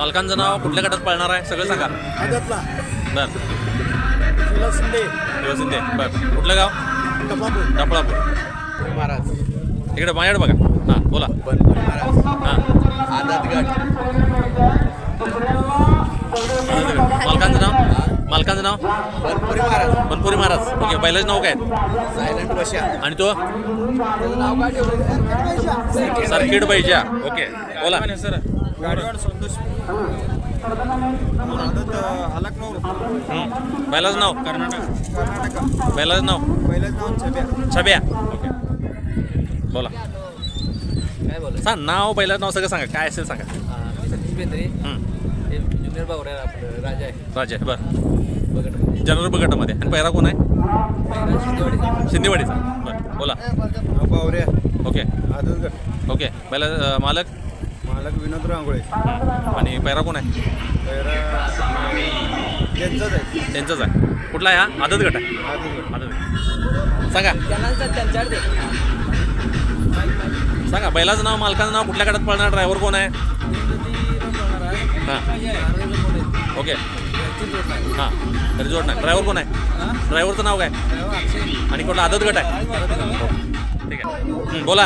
मालकांचं नाव कुठल्या गटात पळणार आहे सगळं सांगा. आदतला बर शिंदे शिंदे. बर कुठलं गाव. डफळापूर. महाराज इकडे माझ्याकडे बघा. हां बोला. महाराज हां आदतगड मालकांचं नाव. मालकांचं नाव बनपुरी महाराज बनपुरी महाराज. ओके बैलाचं नाव काय. सायलेंट बशा आणि तो त्याचं नाव काय ठेवलं सर्किट बैजा. ओके बोला. सर गाडीवाड संतोष आदत अलकनूर बैलाचं नाव. कर्नाटक बैलाचं नाव पहिलंच नाव छब्या छब्या. ओके बोला. काय बोला सांग नाव बैलाचं नाव सगळं सांगा काय असेल सांगा. सतीश बेंद्रे हे ज्युनियर बावड्या आपलं राजा आहे राजा बरं बघत जनरल बगटामध्ये. आणि पैरा कोण आहे. शिंदेवाडी शिंदेवाडीचा. बरं बोला. बावऱ्या ओके आदतगड ओके बैला मालक मालक विनोद रांगोळे आणि पैरा कोण आहे. त्यांचंच आहे त्यांचंच आहे. कुठला आहे हा. आदत गट आहे. आदतगड आदत सांगा त्यांच्याकडे सांगा बैलाचं नाव मालकाचं नाव कुठल्या गटात पळणार. ड्रायव्हर कोण आहे. हां ओके हां तरी जोड नाही. ड्रायव्हर कोण आहे. ड्रायव्हरचं नाव काय. आणि कुठला आदत गट आहे. ठीक आहे बोला.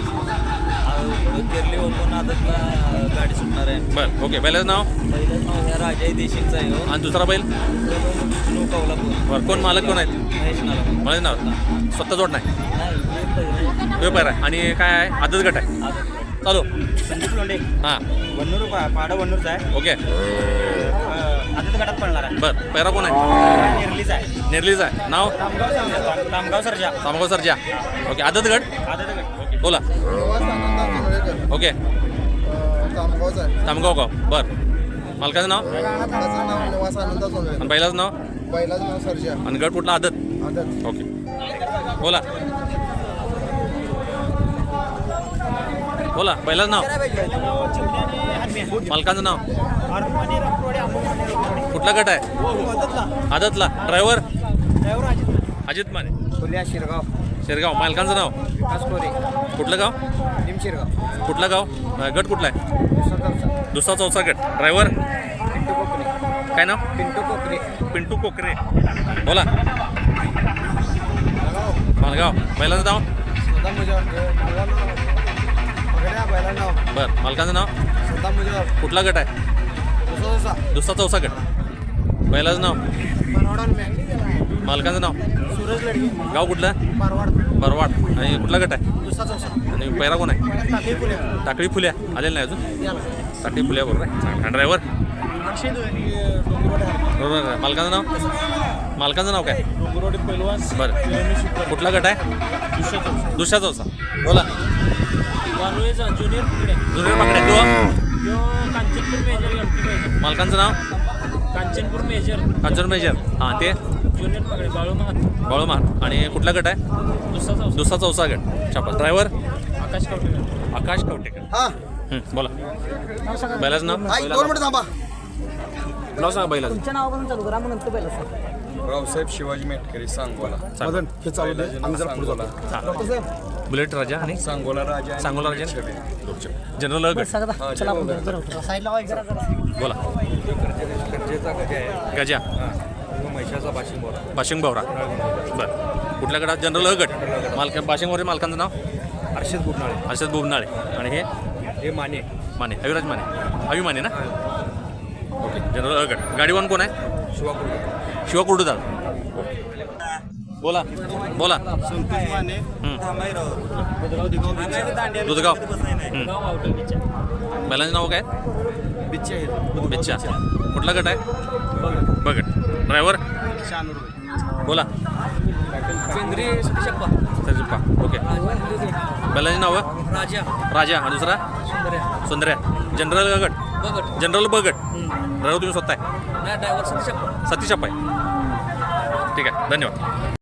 केरली ओपन आदतला गाडी सुटणार आहे. बरं ओके बैलाचं नाव. पहिलं नाव ह्या राजा देशिंगचा आहे हो. आणि दुसरा बैल. विष्णू कौलापूर बरं कोण मालक कोण आहेत. महेश नाला मला नाव स्वतः जोड नाही. नाही व्यापार आहे. आणि काय आहे आदत गट आहे. चालू संदीप लोंढे हां वन्नूर पाडा वन्नूरचा आहे ओके आदत गटात पडणार आहे बरं पैरा कोण आहे. निर्लीचा आहे नेरलीचं आहे. नाव तामगाव सरजा सामगाव सरजा. ओके आदत गट. आदतगड बोला. ओके तामगावचा आहे. तामगाव गाव. बरं मालकाचं नाव त्याचं नाव निवास आनंद सोनवे. आणि बैलाचं नाव बैलाचं नाव सर्जा. आणि गट कुठला आदत. आदत ओके बोला. बोला बैलाचं नाव मालकाचं नाव कुठला गट आहे. आदतला. ड्रायव्हर अजित माने फुल्या शिरगाव शेरगाव. मालकांचं नाव कासकोरे कुठलं गाव. निम शिरगाव कुठलं गाव. गट कुठला आहे. दुसरा चौथा गट. ड्रायव्हर पिंटू कोकरे काय नाव. पिंटू कोकरे पिंटू कोकरे. बोला. मालगाव. बैलाचं नाव सदा मुजावर बैला नाव बरं मालकाचं नाव सदा मुजावर कुठला गट आहे. दुसरा चौथा गट. बैलाचं नाव मालकाचं नाव सूरज लडगे गाव कुठलं. पारवाड बरवाड. आणि कुठला गट आहे. दुसरा चौसा आणि पैरा कोण आहे. टाकळी फुल्या टाकळी फुल्या आलेलं नाही अजून. टाकळी फुल्या बरोबर आहे. चांगला ड्रायव्हर बरोबर आहे. मालकाचं नाव मालकाचं नाव काय. डोंगरवाडी पैलवान बरं कुठला गट आहे. दुसरा चौथा. बोला. ज्युनियर जुनियर माकडे. तो कांचनपूर मेजर मालकांचं नाव कांचनपूर मेजर कांचन मेजर. हां ते ज्युनियर पकडे बाळू महात बाळूमार. आणि कुठला गट आहे. दुसरा चौथा गट. शाबास. ड्रायव्हर आकाश कवटेकर आकाश कवटेकर. हा बोला. बैलाचं नाव. आई 2 मिनिटं थांबा. नाव सांगा बैलाचं. तुमच्या नावापासून चालू करा मग नंतर पहिलं सांग. रावसाहेब शिवाजी मेटकरी सांगोला चालेल. हे चालू दे. आम्ही जरा पुढे जातो. हां बुलेट राजा आणि सांगोला राजा सांगोला राजा जनरल गट. चला आपण साईडला वाईक जरा बोला. गरजेचा गजा आहे गजा म्हैशाचा बाशिंग बोला बाशिंग बावरा. बरं कुठल्या गटात. जनरल गट. मालक बाशिंग बावरे. मालकांचं नाव हर्षद गुरनाळे हर्षद बुबनाळे. आणि हे हे माने माने अविराज माने. अवि माने ना. ओके जनरल गट. गाडीवान कोण आहे. शिवा कुर्डूदार. बोला. बोला. संतोष माने दुधगाव. बैलांचं नाव काय. बिच्चे आहेत बिच्छा. कुठला गट आहे. बगट. ड्रायव्हर बोला. केंद्रीय शप्पा सरजिप्पा. ओके बैलांची नावं राजा राजा आणि दुसरा सुंदर्या सुंदर्या. जनरल गट. बघट जनरल बगट. ड्रायव्हर तुम्ही स्वतः आहे. नाही ड्रायव्हर सतीश शप्पा सतीश अप्पा आहे. ठीक आहे धन्यवाद.